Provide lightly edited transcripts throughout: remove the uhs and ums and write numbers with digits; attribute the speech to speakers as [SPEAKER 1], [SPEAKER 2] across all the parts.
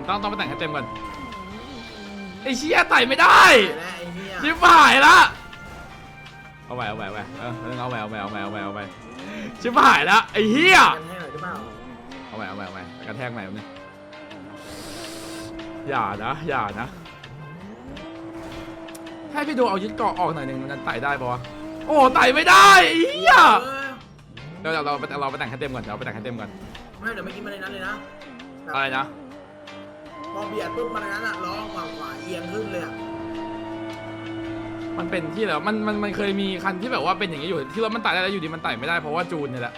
[SPEAKER 1] ต้องไปแต่งให้เต็มก่อนไอ้เชี่ยไต่ไม่ได้
[SPEAKER 2] และไอ้เหี้ย
[SPEAKER 1] ชิบหายละเอาไปเอาไปชิบหายละไอ้เหี้ย
[SPEAKER 2] กันให้หน่อยหรือเปล่า
[SPEAKER 1] เอาไปกระแทกใหม่เนี่ยอย่านะให้พี่ดูเอายึดเกาะออกหน่อยหนึ่งมันไต่ได้ปะวะโอ้ไต่ไม่ได้ไอ้เหี้ยเดี๋ยวเราไปแต่งให้เต็มก่อน
[SPEAKER 2] ไม่เดี๋ยวไม่กินมาในนั้นเลยนะ
[SPEAKER 1] อะไรนะ
[SPEAKER 2] พอเบียดปุ๊บมาในนั้นอะล้อขวาเอียงขึ้นเลยอะ
[SPEAKER 1] มันเป็นที่แล้วมันเคยมีคันที่แบบว่าเป็นอย่างนี้อยู่ที่รถมันไต่ได้แล้วอยู่ดีมันไต่ไม่ได้เพราะว่าจูนเนี่ยแหละ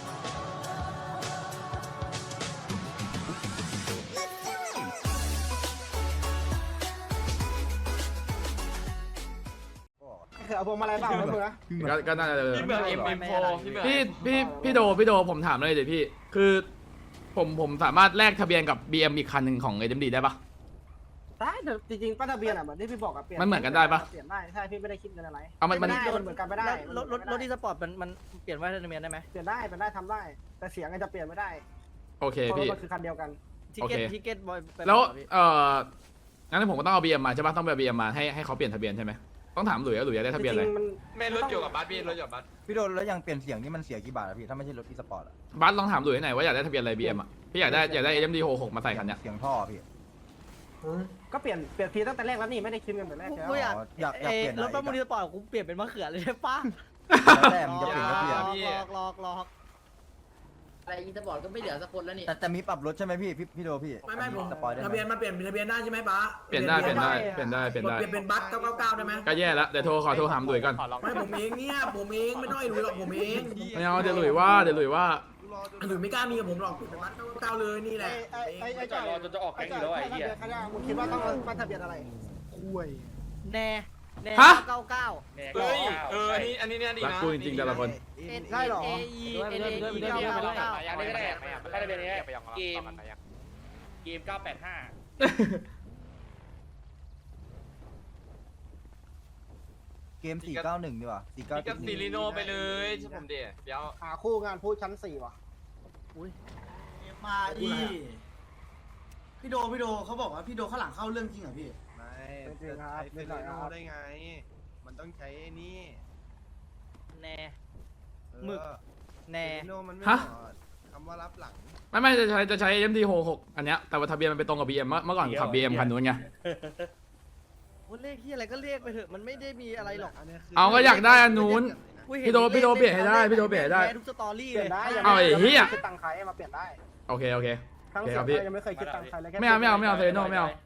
[SPEAKER 3] คือเอาพวงมาลัยเปล่าไม่ถูกนะ
[SPEAKER 1] ก็น่าจะ
[SPEAKER 4] พี่เบิร์ดM4
[SPEAKER 1] พี่โดผมถามเลยเดี๋ยวพี่คือผมสามารถแลกทะเบียนกับ BM อีกคันหนึ่งของ AMD ได้ปะ
[SPEAKER 3] ได้แต่จริงๆป้ายทะเบียนอ่ะเหมือนที่พี่บอกอะเปลี่ยน
[SPEAKER 1] มันเหมือนกันได้ปะ
[SPEAKER 3] เปลี่ยนได้ใช่พี่ไม่ได้คิดเงินอะไร
[SPEAKER 1] เอามัน
[SPEAKER 3] ได้เหมือนกันไม่ได้
[SPEAKER 5] รถที่สปอร์ตมันเปลี่ยนว่าทะเบียนได้ไหม
[SPEAKER 3] เปลี่ยนได้ทำได้ แต่เสียงอาจจะเปลี่ยนไม่ได้
[SPEAKER 1] โอเค
[SPEAKER 3] เพราะ
[SPEAKER 1] พี่
[SPEAKER 3] มันคือคันเดียวกัน
[SPEAKER 5] ทิเก็ตบอย
[SPEAKER 1] แล้วงั้นผมก็ต้องเอา BM มาใช่ปะต้องไป BM มาให้เขาเปลี่ยนทะเบียนใช่ไหมต้องถามหลุยอยากได้ทะเบียนอะไร
[SPEAKER 3] จริงๆมัน
[SPEAKER 4] ไม่รถอยู่กับบัสพี่รถอยู่กับบัส
[SPEAKER 6] พี่โดนแล้วยังเปลี่ยนเสียงนี่มันเสียกี่บาทอะพี่ถ้าไม่ใช่รถอีสปอร์ตอะ
[SPEAKER 1] บัสลองถามหลุยให้หน่อยว่าอยากได้ทะเบียนอะไร BM อ่ะพี่อยากได้ AMD 66มาใส่คันเนี้ย
[SPEAKER 6] เสียงท่อพี่
[SPEAKER 3] ก็เปลี่ยนทีตั้งแต่แรกแล้วนี่ไม่ได้คิดเงินแต่แรกแล้ว
[SPEAKER 5] กูอยาก
[SPEAKER 6] อยากเปลี่ยน
[SPEAKER 5] รถประมูลที่สปอร์ตกูเปลี่ยนเป็นมะเขือเลยใช่ปะ
[SPEAKER 6] แล้วแต่มันจะเปลี่ยนก็เปลี่ยน
[SPEAKER 5] ลอก
[SPEAKER 7] อะไรอีสปอร์ตก็ไม่เหลือสักคนแล้วนี่
[SPEAKER 6] แต่มีปรับรถใช่ไหมพี่โดพี่
[SPEAKER 2] ไม่ผม
[SPEAKER 6] สปอยได้
[SPEAKER 2] ทะ
[SPEAKER 6] ไหม
[SPEAKER 2] เบียนมาเปลี่ยนทะเบียนได้ใช่ไหมป๊า
[SPEAKER 1] เปลี่ยนได้
[SPEAKER 2] เปลี่ยนเป็นบัส999ได้ไหม
[SPEAKER 1] ก็แย่แล้วเดี๋ยวขอโทรถามหลุยก่อน
[SPEAKER 2] ไม่ผมเองเนี่ยผมเองไม่ต้องไอ้หลุยหรอกผมเอง
[SPEAKER 1] ไม่เอาเดี๋ยวหลุยว่า
[SPEAKER 2] หลุยไม่กล้ามีกับผมหรอกเป็นบัส999เลยนี่แหละ
[SPEAKER 3] ไอ้จอดรอจะออกแก๊งอยู่แล้วไอ้เหี้ยมึงคิดว่าต้องป้ายทะเบียนอะไรคุย
[SPEAKER 5] แน่99
[SPEAKER 4] เฮ้ยอันนี้เนี่ยดี
[SPEAKER 1] รัก
[SPEAKER 4] นะ
[SPEAKER 1] กูจริงๆแต่ละคน
[SPEAKER 3] ได้หรอ
[SPEAKER 7] อย่างนี้ก็ได้ไม่ได้เป็นนี้เกม985
[SPEAKER 6] เกม491ดีกว่า
[SPEAKER 4] พี่กับซีรีโนไปเลยใช่ผมเดี๋ยว
[SPEAKER 3] หาคู่งานพูดชั้น4ว่ะ
[SPEAKER 8] มาอีพี่โดเขาบอกว่าพี่โดข้างหลังเข้าเรื่องจริงเหรอพี่
[SPEAKER 6] ไม่
[SPEAKER 3] จริงครับนิดหน่อยครับ
[SPEAKER 6] ได้ไง มันต้องใช้นี่
[SPEAKER 5] แน่หมึกแน่
[SPEAKER 6] โนมันไม่
[SPEAKER 1] ฮะ
[SPEAKER 6] คำว่ารับหลัง
[SPEAKER 1] ไม่จะใช้ AMD 66อันเนี้ยแต่ว่าทะเบียนมันไปตรงกับ BM เมื่อก่อนขับ BM คันนู้นไง
[SPEAKER 5] ว่าเลขที่อะไรก็เรียกไปเถอะมันไม่ได้มีอะไรหรอก
[SPEAKER 1] เอาก็อยากได้อันนู้น พี่โดเปลี่ยนให้ได้
[SPEAKER 5] ทุกสตอรี่
[SPEAKER 3] เป
[SPEAKER 5] เล
[SPEAKER 3] ลี่ย
[SPEAKER 5] ย
[SPEAKER 3] นได้
[SPEAKER 1] เอาไอ้เหี้ย
[SPEAKER 3] คิดตังค์ใครมาเปลี่ยนได้
[SPEAKER 1] โอเค
[SPEAKER 3] ทั้ง
[SPEAKER 1] โอเค
[SPEAKER 3] เสี
[SPEAKER 1] ค
[SPEAKER 3] ย
[SPEAKER 1] รั
[SPEAKER 3] ง
[SPEAKER 1] บพี่
[SPEAKER 3] ยังไม่เคยคิดตังค์ใครเลยแค่
[SPEAKER 1] ไม่เอาเซโนไม่เอา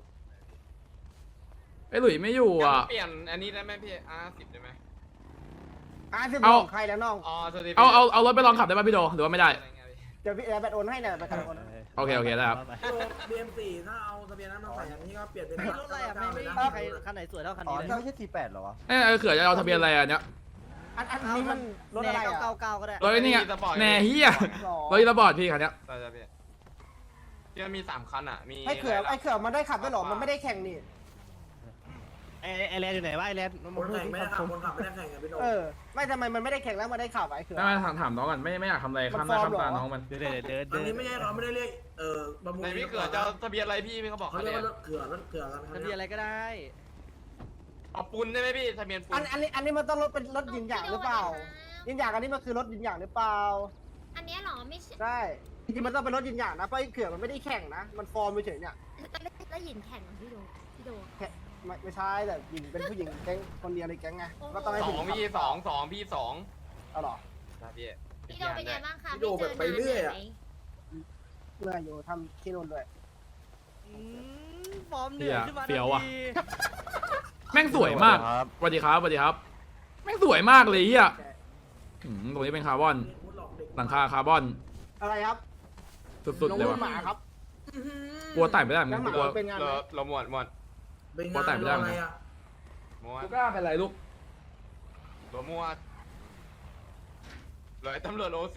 [SPEAKER 1] ไอ้หลุยไม่อยู่อ่ะ
[SPEAKER 4] เปลี่ยนอันนี้ได้ไหมพี่R10ได้ไหม
[SPEAKER 3] สิบ
[SPEAKER 1] เอา
[SPEAKER 3] ของใครแล้วน้อง
[SPEAKER 4] อ๋อสวัสดี
[SPEAKER 1] เอารถไปลองขับได้ป่ะพี่โดหรือว่าไม่ได้
[SPEAKER 3] เดี๋ยวพี่แอร์แบตโอนให้เนี่ยไปกันโอน
[SPEAKER 1] โอเคได้ครับ
[SPEAKER 2] BM4 ถ้าเอาทะเบียนนั้นมาใส่อันนี้ก็เปลี่ยนเป็น
[SPEAKER 5] ร
[SPEAKER 2] บัส
[SPEAKER 5] ถอะไรอ่ะไม่
[SPEAKER 2] 999เลย
[SPEAKER 5] มี
[SPEAKER 2] นะ
[SPEAKER 5] ใครคันไหนสวยเท่าคัน
[SPEAKER 6] อ๋อ
[SPEAKER 5] นี้
[SPEAKER 6] นี่
[SPEAKER 5] เลย
[SPEAKER 6] ไม่ใช่48เหรอวะ
[SPEAKER 1] เขื่อจะเอาทะเบียนอะไรอันเนี้ย
[SPEAKER 3] อันนี้มันรถอะไรอ่ะ
[SPEAKER 5] 99ก็ได้
[SPEAKER 1] รถนี่ไงแน่เฮียรถอีระบอดพี่คันเนี้ย
[SPEAKER 4] ใช่พี่ที่มันมี3คันอ่ะมี
[SPEAKER 3] ไอ้เขื่อมันได้ขับด้วยหรอมันไม่ได้แข่งนี่
[SPEAKER 5] ไอแลนด์อยู่ไหนวะไอแลนด์
[SPEAKER 2] คนแข่งไม่ได้ขับคนขับไม่ได้แข่งกับพี่โด
[SPEAKER 3] ไม่ทำไมมันไม่ได้แข่งแล้วมันได้ขับไอ้เขื่อ
[SPEAKER 1] ไม่ถามน้องก่อนไม่อยากทำอะไรข้ามหน้าข้ามตาน้องมัน
[SPEAKER 2] อันนี้ไม่ใช่เขาไม่ได้เรียกประมูล
[SPEAKER 4] ในพี่เกิดจะทะเบียนอะไรพี่เขาบอก
[SPEAKER 2] เขา
[SPEAKER 4] เขา
[SPEAKER 2] เรียก
[SPEAKER 4] เนี่ย
[SPEAKER 2] ว่ารถเขื่อกัน
[SPEAKER 5] ทะเบียนอะไรก็ได้
[SPEAKER 4] เอาปุนได้ไหมพี่ทะเบียนปุน
[SPEAKER 3] อันนี้มันต้องรถเป็นรถยินหยางหรือเปล่ายินหยางอันนี้มันคือรถยินหยางหรือเปล่า
[SPEAKER 9] อันเนี้ยเหรอไม่ใช่
[SPEAKER 3] ใช่จริงๆมันต้องเป็นรถยินหยางนะเพราะไอ้เขื่อมันไม่ได้แข่งนะมันฟอร์มเฉยๆเนี่ย
[SPEAKER 9] แล้วหยินแข่งของพี่โด
[SPEAKER 3] ไม่ใช่แต่หญิงเป็นผู้หญิงแก๊งคนเดียวในแก๊งไงก็ต้องให้
[SPEAKER 4] ส
[SPEAKER 3] ผู้
[SPEAKER 4] อ
[SPEAKER 3] หญิ
[SPEAKER 4] ง
[SPEAKER 3] ง
[SPEAKER 4] พี่สองพี่สอง
[SPEAKER 3] เอาหรอ
[SPEAKER 4] นะพี่
[SPEAKER 9] พี่โดเป็นไงบ้างคะ
[SPEAKER 2] พี่โดแบบไปเรื่อยอ่ะ
[SPEAKER 3] เมื่ออยู่ทำที่นู่นด้วย
[SPEAKER 5] ฟอร์มเหนื่อยขึ้นมา
[SPEAKER 1] แม่งสวยมากสวัสดีครับแม่งสวยมากเลยเฮียตรงนี้เป็นคาร์บอนหลังคาคาร์บอน
[SPEAKER 3] อะไรครับ
[SPEAKER 1] สุดๆเลย
[SPEAKER 3] น้
[SPEAKER 1] ว่ะ
[SPEAKER 3] องหมาครับ
[SPEAKER 1] กลัวไต่ไม่ได้เหมือนกันกลัว
[SPEAKER 3] เป็นงาน
[SPEAKER 4] เราหมด
[SPEAKER 2] เป็นงานอะไรอ่ะ
[SPEAKER 4] หมด
[SPEAKER 1] กล้าเป็นไรลูก
[SPEAKER 4] ตัวมั่วเลยตำรวจOC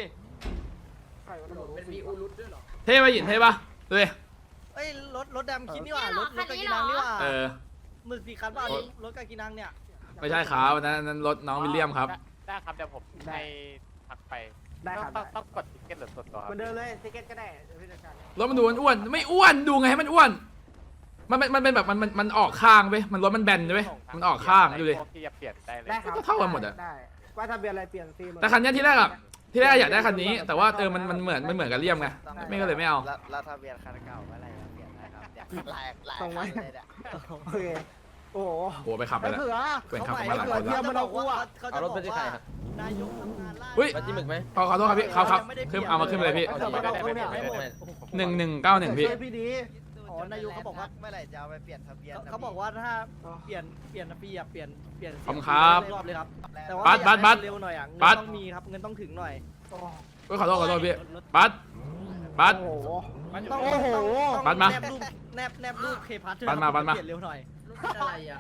[SPEAKER 7] เป็นมีอูรุตด้วยเหรอ
[SPEAKER 1] เท่ป่ะหยินเท่ป่ะดูดิ
[SPEAKER 5] เอ้ยรถดำคิดนี่หว่ารถกากินังนี่หว่าหมึกสีคันว่ารถกากินังเนี่ย
[SPEAKER 1] ไม่ใช่ครับนั้นรถน้องวิลเลียมครับ
[SPEAKER 7] ได้ครับเดี๋ยวผมให้ทักไป
[SPEAKER 3] ได้ครับ
[SPEAKER 7] ต้องกดทิกเก็ตหรือส่วนตัว
[SPEAKER 3] เหมือนเดิมเลยทิเก็ตก็ได้เดี๋ยวพี่จัดการ
[SPEAKER 1] รถมันดูอ้วนๆไม่อ้วนดูไงให้มันอ้วนมันเป็นแบบมันออกข้างไปมันรถมันแบนใช่ไหมมันออกข้างดูดิ
[SPEAKER 7] ที่จะเปลี่ยนได้เลย
[SPEAKER 3] ได้ครับ
[SPEAKER 1] ก็เท่ากันหมดอะ
[SPEAKER 3] ได้ว่าทะเบียนอะไรเปลี่ยนฟรีหมด
[SPEAKER 1] แต่คันเนี้ยที่แรกอยากได้คันนี้ แต่ว่ามันเหมือนกับเลี่ยมไงไม่ก็เลยไม่เอา
[SPEAKER 6] แล้วทะเบียนคันเก่าเมื่อไหร่เปลี่ยนได้ครับลาย
[SPEAKER 3] ส่งไว้
[SPEAKER 6] เลยเนี่ย
[SPEAKER 3] โอเคโอ้โห
[SPEAKER 1] โอ้ไปขับไป
[SPEAKER 3] ไอ้
[SPEAKER 1] แล้ว
[SPEAKER 3] เผือ
[SPEAKER 1] เพื่อนขับ
[SPEAKER 3] ไอ้
[SPEAKER 1] มาหลัง
[SPEAKER 3] เผือ
[SPEAKER 1] คน
[SPEAKER 3] เทีย
[SPEAKER 1] ละ
[SPEAKER 3] มมันเอากูอ่ะ
[SPEAKER 5] เขาจะบอกว่านายกทำงานล่า
[SPEAKER 1] อุ้ย
[SPEAKER 5] จิ้มไหม
[SPEAKER 1] ขอโทษครับพี่ครับขึ้นเอามาขึ้นไปเลยพี่
[SPEAKER 3] ไอ้เผือมันเอากูเนี่ย
[SPEAKER 1] 1191พี่
[SPEAKER 3] ช่วยพี่ดี
[SPEAKER 5] อ๋อนายกเขาบอกว่า
[SPEAKER 6] เมื่อไหร่จะเอาไปเปลี่ยนทะเบียน
[SPEAKER 5] เขาบอกว่าถ้าเปลี่ยนปีอะเปลี่ยน
[SPEAKER 1] ขอบคุณครับ
[SPEAKER 5] รอบเลยครับแต่ว่า
[SPEAKER 1] บัส
[SPEAKER 5] เร็วหน่อยอ่ะเงิน
[SPEAKER 1] บัส
[SPEAKER 5] ต้องมีครับเงินต้องถึงหน่อย
[SPEAKER 1] ขอโทษพี่บัส
[SPEAKER 3] โอ้โห
[SPEAKER 5] ต้อง
[SPEAKER 3] โอ้โห
[SPEAKER 1] บัสมา
[SPEAKER 5] แนบรูปเคพัท
[SPEAKER 1] บัสมา
[SPEAKER 5] เปลี่ยนเร็วหน่อย
[SPEAKER 2] อะไรอ่ะ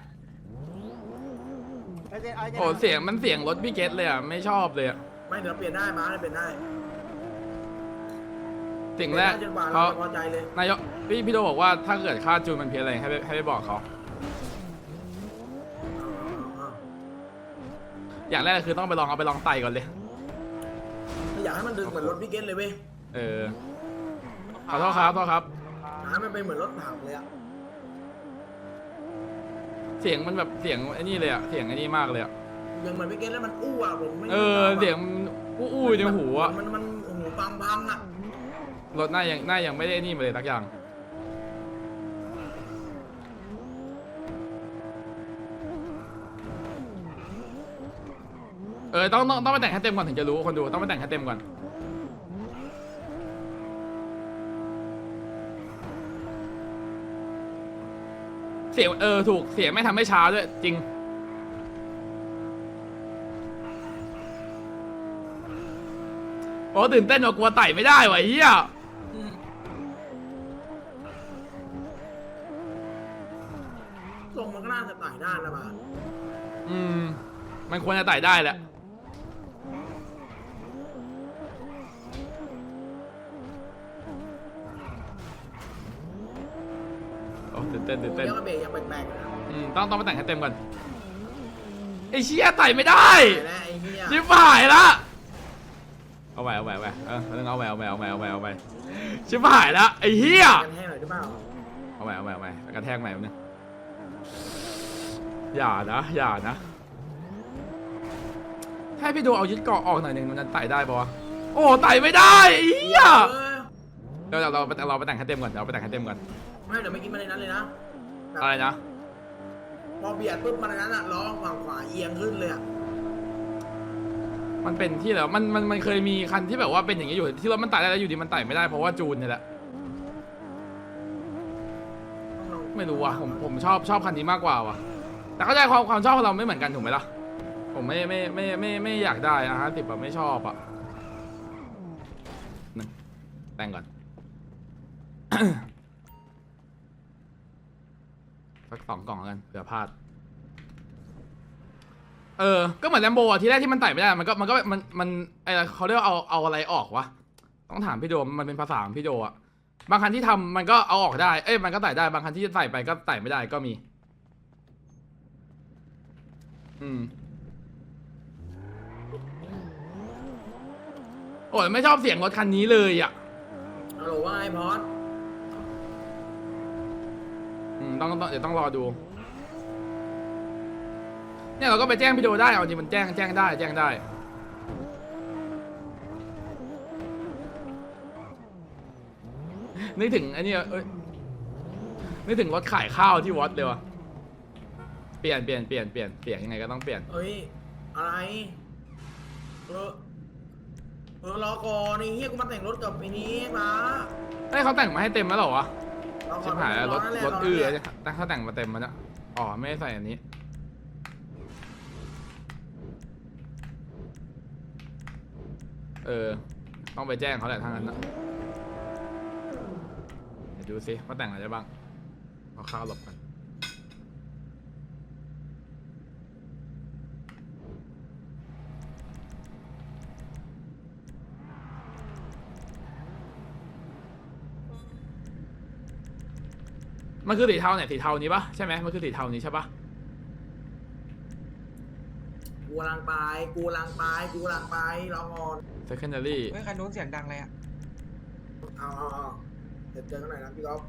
[SPEAKER 1] โอ้เสียงรถพี่เกตเลยอ่ะไม่ชอบเลยอ่ะ
[SPEAKER 2] ไม่เดี๋ยวเปลี่ยนได้มาเปลี่ยนได้
[SPEAKER 1] สิ่งแรก
[SPEAKER 2] จนกว่า
[SPEAKER 1] เขา
[SPEAKER 2] เราจะพอใจเลย
[SPEAKER 1] นายกพี่โดบอกว่าถ้าเกิดค่าจูนมันเพี้ยนอะไรให้ไปบอกเขาอย่างแรกคือต้องเอาไปลองไต่ก่อนเลย
[SPEAKER 2] ไม่อยากให้มันดึงเหมือนรถพี่เกตเลยเว้ย
[SPEAKER 1] ขอโทษครับ
[SPEAKER 2] หามันเป็นเหมือนรถผักเลยอ่ะ
[SPEAKER 1] เสียงมันแบบเสียงไอ้นี่เลยอ่ะเสียงไอ้นี่มากเลยอ่ะ
[SPEAKER 2] ยังเหมือนพี่เกตแล้วมันอู้อ่ะผมไม่
[SPEAKER 1] เสียงอู้ในหูอ่ะ
[SPEAKER 2] มันหูพังอ่ะ
[SPEAKER 1] รถหน้ายังไม่ได้นี่มาเลยสักอย่างต้องไปแต่งให้เต็มก่อนถึงจะรู้คนดูต้องไปแต่งให้เต็มก่อนเสียงถูกเสียงไม่ทำให้ช้าด้วยจริงโอ้ตื่นเต้นว่ากลัวไต่ไม่ได้ว่ะเฮีย
[SPEAKER 2] ทรงมันก็น่าจะไต่ได้นะบ้า
[SPEAKER 1] มันควรจะไต่ได้แหละโอ้ตื่นเต้น
[SPEAKER 2] เดี๋ยวก็เบรกยังแปลกๆนะ
[SPEAKER 1] ต้องไปแต่งให้เต็มก่อนไอ้เชี่ยไต่ไม่ได้
[SPEAKER 2] ไต่แล้วไอ้เหี้ย
[SPEAKER 1] ชิบหายละเอาไว้เอาไว้ต้องเอาไว้ชิบหายละไอ้เหี้ย
[SPEAKER 2] กันแห้งหน่อยได้เปล่า
[SPEAKER 1] เอาไว้กระแทกใหม่นึงอย่านะให้พี่ดูเอายึดเกาะออกหน่อยหนึ่งมันจะไต่ได้ปะวะโอ้ไต่ไม่ได้ไอ้เหี้ยเดี๋ยวเราไปแต่งให้เต็มก่อน
[SPEAKER 2] ไม่เดี๋ยวไม่กินมาในนั้นเลยนะ
[SPEAKER 1] อะไรนะ
[SPEAKER 2] พอเบียดปุ๊บมันในนั้นอ่ะล้อฝั่งขวาเอียงขึ้นเลยอ่ะ
[SPEAKER 1] มันเป็นที่แล้วมันเคยมีคันที่แบบว่าเป็นอย่างนี้อยู่ที่รถมันไต่ได้แล้วอยู่ดีมันไต่ไม่ได้เพราะว่าจูนนี่แหละไม่รู้ว่ะผมชอบคันนี้มากกว่าว่ะแต่เข้าใจความชอบของเราไม่เหมือนกันถูกไหมล่ะผมไม่อยากได้นะ50แบบไม่ชอบอ่ะนึงแต่งก่อน สัก2 กล่องกันเผื่อพลาดก็เหมือนแลมโบอ่ะทีแรกที่มันไต่ไม่ได้มันไอเขาเรียกว่าเอาอะไรออกวะต้องถามพี่โดมันเป็นภาษาของพี่โดอ่ะบางคันที่ทำมันก็เอาออกได้มันก็ไต่ได้บางคันที่ใส่ไปก็ไต่ไม่ได้ก็มีโอ้ยไม่ชอบเสียงรถคันนี้เลยอ่ะ
[SPEAKER 2] ฮัลโหลว่าไงพอด
[SPEAKER 1] เดี๋ยวต้องรอดูเนี่ยเราก็ไปแจ้งพี่โดได้เอาจริงมันแจ้งได้นึกถึงไอ้นี่นึกถึงรถขายข้าวที่วัดเลยวะเปลี่ยนเสียงยังไงก็ต้องเปลี่ยน
[SPEAKER 2] เอ้ยอะไรรอก่อนนี่เฮียกูมาแต่งรถกับไอ้นี้มา
[SPEAKER 1] เขาแต่งมาให้เต็มแล้วเหรอวะ
[SPEAKER 2] รอก่
[SPEAKER 1] ชิ
[SPEAKER 2] อน
[SPEAKER 1] บหายแล้วรถ
[SPEAKER 2] นั่นแหละ
[SPEAKER 1] แต่เขาแต่งมาเต็มมาแล้วอ๋อไม่ได้ใส่อันนี้ต้องไปแจ้งเขาแหละทางนั้นนะเดี๋ยวดูสิว่าแต่งอะไรได้บ้างเอาข้าวหลบกันมันคือสีเทาเนี่ยสีเทานี้ปะใช่ไหมมันคือสีเทานี้ใช่ปะ
[SPEAKER 2] วกำลังไปกูกำลังไปกูกำลังไปรอก่อน
[SPEAKER 1] secondary
[SPEAKER 4] เฮ้ยคันนู้นเสียงดังเลยอ่ะ
[SPEAKER 2] เอาเดี๋ยวเจอกันหน่อยนะพี่ก๊อฟ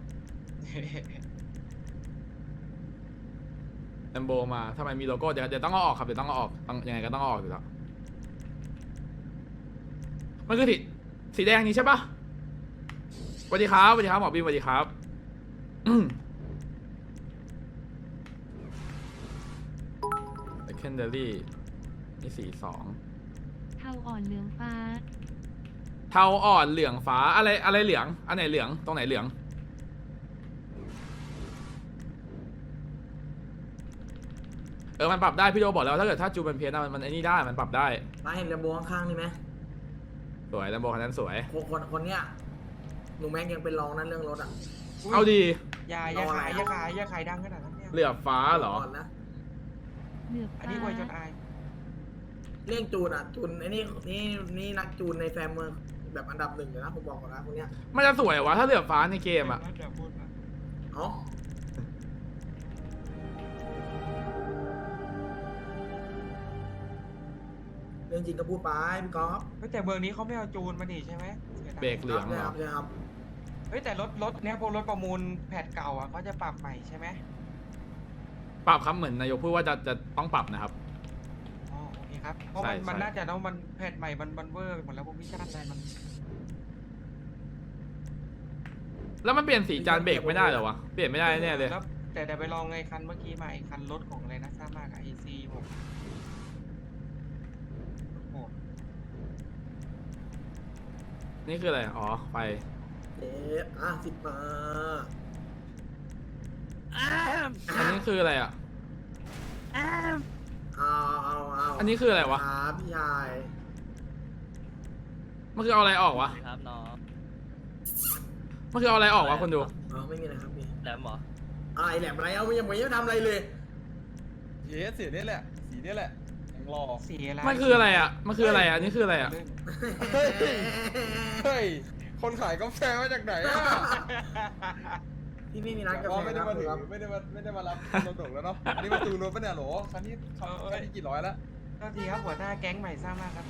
[SPEAKER 1] แลมโบมาทำไมมีโลโก้เดี๋ยวต้องเอาออกครับเดี๋ยวต้องเอาออกต้องยังไงก็ต้องเอาออกอยู่แล้วมันคือสีแดงนี้ใช่ปะสวัสดีครับสวัสดีครับหมอบีมสวัสดีครับsecondary นี่สี2
[SPEAKER 10] เทาอ่อนเหลืองฟ้า
[SPEAKER 1] เทาอ่อนเหลืองฟ้าอะไรเหลืองอันไหนเหลืองตรงไหนเหลืองมันปรับได้พี่โดบอกแล้วถ้าเกิดถ้าจูเป็นเพี้ยนมันไอ้นี่ได้มันปรับได้
[SPEAKER 2] มาเห็นแลมโบข้างๆนี่ไหม
[SPEAKER 1] สวยแลมโบคันนั้นสวย
[SPEAKER 2] คนเนี้ยหนูแม็กยังเป็นรองนั่นเรื่องรถอ่ะ
[SPEAKER 1] เอาดี
[SPEAKER 4] อย่าขายดังขนาดนั้นเนี่ย
[SPEAKER 1] เหลือบฟ้าเหรอ
[SPEAKER 2] ก่อนนะ
[SPEAKER 10] เหลือบ
[SPEAKER 4] อัน
[SPEAKER 10] ฟ้า
[SPEAKER 4] นี้ไวยจนอาย
[SPEAKER 2] เรื่องจูนอ่ะจูนไอ้นี่นักจูนในแฟมเมืองแบบอันดับ 1อยู่นะผมบอกก่อนนะคนเนี้ย
[SPEAKER 1] มันจะสวยวะถ้าเหลือบฟ้าในเกมอ่ะ
[SPEAKER 2] เอ้าเรื่องจริงก็พูดไปพี่ก๊อฟ
[SPEAKER 4] เฮ้ยแต่เมืองนี้เขาไม่เอาจูนมาดิใช่ไหมสียดาย
[SPEAKER 1] เบรกเหลืองเหรอ
[SPEAKER 2] ใช่ครับ
[SPEAKER 4] เฮ้ยแต่รถเนี่ยพวกรถประมูลแพทเก่าอ่ะเขาจะปรับใหม่ใช่ไหม
[SPEAKER 1] ปรับครับเหมือนนายกพูดว่าจะต้องปรับนะครับ
[SPEAKER 4] อ๋อโอเคครับเพราะ
[SPEAKER 1] ใช่
[SPEAKER 4] มัน
[SPEAKER 1] ใช่
[SPEAKER 4] น่าจะต้องมันแพทใหม่มันเวอร์หมดแล้วพวกวิชาอะไรมัน
[SPEAKER 1] แล้วมันเปลี่ยนสีจานเบรกไม่ได้เหรอวะเปลี่ยนไม่ได้แน่เลย
[SPEAKER 4] แล้วแต่ไปลองไงคันเมื่อกี้มาไอ้คันรถของอะไรนะทราบมากอะ AC ผมโอ้
[SPEAKER 1] นี่คืออะไรอ๋อไฟ
[SPEAKER 2] 10 มา
[SPEAKER 1] อันนี้คืออะไรอ่ะ
[SPEAKER 2] เอา
[SPEAKER 1] อันนี้คืออะไรวะ
[SPEAKER 2] ครับพี่ชาย
[SPEAKER 1] มันคือเอาอะไรออกวะ
[SPEAKER 5] ครับน้อง
[SPEAKER 1] มันคือเอาอะไรออกวะคนดู
[SPEAKER 2] ไม่มีอะไรครับพี่
[SPEAKER 5] แหลมเหรอ
[SPEAKER 2] อะไรแหลมอะไรเอายังไม่ทำอะไรเลย
[SPEAKER 6] เย้สีนี่แหละสีนี่แหละยังรอ
[SPEAKER 4] สีอะไร
[SPEAKER 1] มันคืออะไรอ่ะมันคืออะไรอ่ะอันนี้คืออะไรอ่ะ
[SPEAKER 6] เฮ้ยคนขายกาแฟมาจากไหนอ่ะ
[SPEAKER 2] พี่ไม่มีร้านกา
[SPEAKER 6] อ๋อ
[SPEAKER 2] แฟ
[SPEAKER 6] ไม่ได้
[SPEAKER 2] นะ
[SPEAKER 6] มาถึง
[SPEAKER 2] ครับ
[SPEAKER 6] ไม่ได้มารับรถดกแล้วเนาะอันนี้มาจูนรถปะเนี่ยโหลคันนี้กี่ร้อยแล้ว
[SPEAKER 4] ก็ดีครับหัวหน้าแก๊งใหม่ทราบมากครับ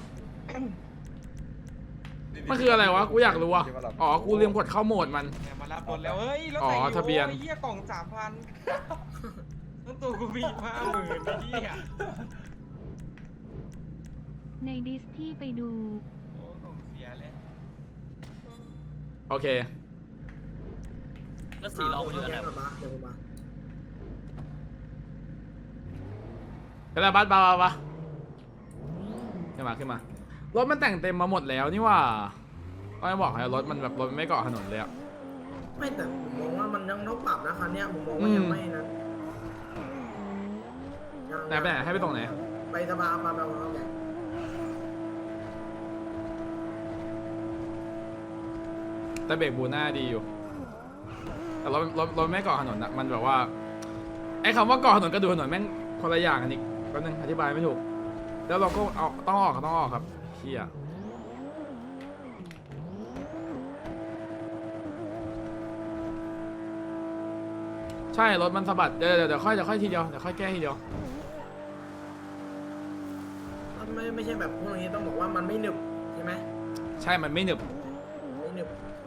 [SPEAKER 1] มันคืออะไรวะกูอยากรู้อ่ะอ๋อกูลืมกดเข้าโหมดมัน
[SPEAKER 4] เดี๋ยวมารับรถแล้วเฮ้ยรถ
[SPEAKER 1] อ๋อ
[SPEAKER 4] แต่งอยู่
[SPEAKER 1] ทะเบียน
[SPEAKER 4] โอ้เหี้ยกล่อง 3,000ต้นตัวกูมี50,000ไอ้เหี้ย
[SPEAKER 10] ในดิสที่ไปดู
[SPEAKER 4] โอ้กล่องเสียเลย
[SPEAKER 1] โอเค
[SPEAKER 5] แล้วสีรองมันอยู่อันไหน
[SPEAKER 2] เดี๋ยวผมมา
[SPEAKER 1] กระดาษบัสบาขึ้นมารถมันแต่งเต็มมาหมดแล้วนี่ว่าก็ไม่บอกให้รถมันแบบรถมันไม่เกาะถนนเลยอ่ะ
[SPEAKER 2] ไม่แต่ผมมองว่ามันยังต้องปรับนะคันเนี้ยผมมองว่ายังไม่นะยัง
[SPEAKER 1] ไหนไปไหนให้ไปตรงไหน
[SPEAKER 2] ไปสภามาแบบว่าไง
[SPEAKER 1] แต่เบรกบูน่าดีอยู่ แต่รถไม่เกาะถนนอ่ะมันแบบว่าไอ้คำว่าเกาะถนนกับดูถนนแม่งคนละอย่างกันอีกแป๊บนึงอธิบายไม่ถูกแล้วเราก็เอาต้องออกครับเชี่ยใช่รถมันสะบัดเดี๋ยวค่อยทีเดียวเดี๋ยวค่อยแก้ทีเดียว
[SPEAKER 2] ไม่ใช่แบบพวกนี้ต้องบอกว่ามันไม่หนึบใช่ไหม
[SPEAKER 1] ใช่มันไม่หนึบ
[SPEAKER 2] ไม่หนึบ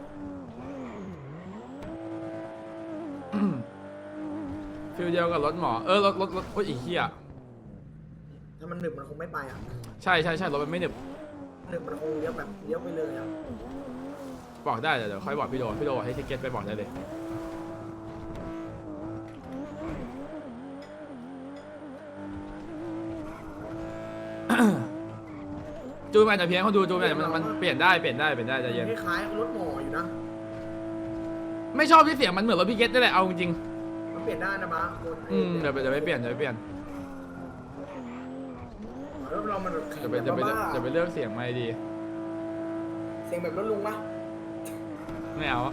[SPEAKER 1] ฟิลเดียวกับรถหมอรถโอ้ยอีเหี้ย
[SPEAKER 2] ถ้ามันหนึบมันคงไม่ไปอ่ะ
[SPEAKER 1] ใช่รถมันไม่หนึบ
[SPEAKER 2] หนึบมันคงเลี้ยวแบบเลี้ยวไปเลยอ่ะ
[SPEAKER 1] บอกได้เดี๋ยวค่อยบอกพี่โดให้ทิเก็ตไปบอกได้เลย จูนมันอาจจะเพี้ยนเขาดูจูนมันเปลี่ยนได้ใจเย็น
[SPEAKER 2] คล้ายๆรถหมออยู่นะ
[SPEAKER 1] ไม่ชอบที่เสียงมันเหมือนรถพี่เก็ตนี่แหละเอาจริง
[SPEAKER 2] มันเปลี่ยนได้นะบ้าคน
[SPEAKER 1] เดี๋ยวไปเปลี่ยน
[SPEAKER 2] แล้วเรามันแข็ง
[SPEAKER 1] จะไป
[SPEAKER 2] แบบบ้า
[SPEAKER 1] เลือกเสียงไม่ดี
[SPEAKER 2] เสียงแบบรถลุงปะ
[SPEAKER 1] ไม่เอา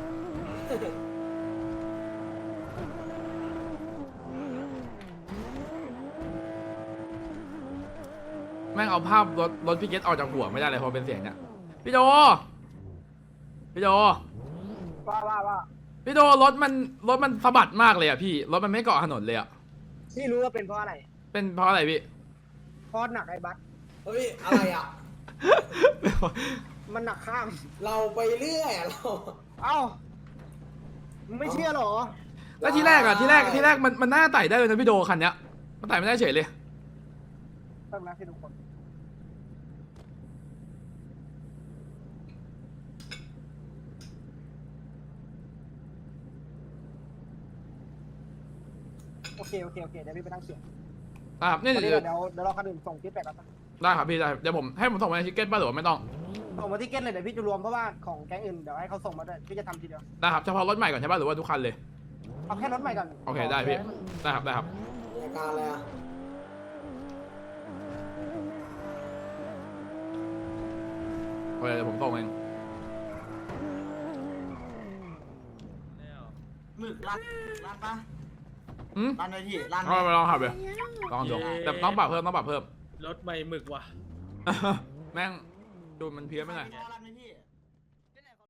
[SPEAKER 1] แม่งเอาภาพรถพี่เก็ตออกจากหัวไม่ได้เลยพอเป็นเสียงเนี่ยพี่โด พี่โดรถมันสะบัดมากเลยอ่ะพี่รถมันไม่เกาะถนนเลยอ่ะ
[SPEAKER 3] พี่รู้ว่าเป็นเพราะอะไร
[SPEAKER 1] เป็นเพราะอะไรพี่
[SPEAKER 3] พอหนักไอ้บัส
[SPEAKER 2] เฮ้ยอะไรอ่ะ
[SPEAKER 3] มันหนักข้าม
[SPEAKER 2] เราไปเรื่อยอะเรา
[SPEAKER 3] เอ้ามึงไม่เชื่อหรอ
[SPEAKER 1] แล้วทีแรกมันน่าไต่ได้เลยนะพี่โดคันเนี้ยมันไต่ไม่ได้เฉยเลย
[SPEAKER 3] ต้องนะพี่ทุกคนโอเคเดี๋ยวพี่ไปนั่งเขียน
[SPEAKER 1] ครับนี่
[SPEAKER 3] ตอนนี้
[SPEAKER 1] เดี๋ยว
[SPEAKER 3] เดี๋ยวรอคนอื่นส่งฟีดแบ็กกัน
[SPEAKER 1] ได้ครับพี่ได้เดี๋ยวผมให้ผมส่งไปในทิกเก็ตป่ะหรือว่าไม่ต้อง
[SPEAKER 3] ส่งมาที่เก็ตเลยเดี๋ยวพี่จะรวมเพราะว่าของแก๊งอื่นเดี๋ยวให้เขาส่งมาด้วยพี่จะทำทีเดียว
[SPEAKER 1] ได้ครับเฉพาะรถใหม่ก่อนใช่ป่ะหรือว่าทุกคันเลย
[SPEAKER 3] เอาแค่รถใหม่ก่อน
[SPEAKER 1] โอเคได้พี่ได้ครับ
[SPEAKER 2] มีอาการอะไรอ่ะ
[SPEAKER 1] โอเคเดี๋ยวผมส่งเอง
[SPEAKER 8] หมึกลั่นปะ
[SPEAKER 1] อืม
[SPEAKER 8] ลั่นเลยพี่ลั่น
[SPEAKER 1] เอาไปลองขับเลยลองดูแต่ต้องปรับเพิ่ม
[SPEAKER 4] รถใหม่หมึกว่ะ
[SPEAKER 1] แม่งจูนมันเพี้ยนไปหน่อย
[SPEAKER 8] อะไร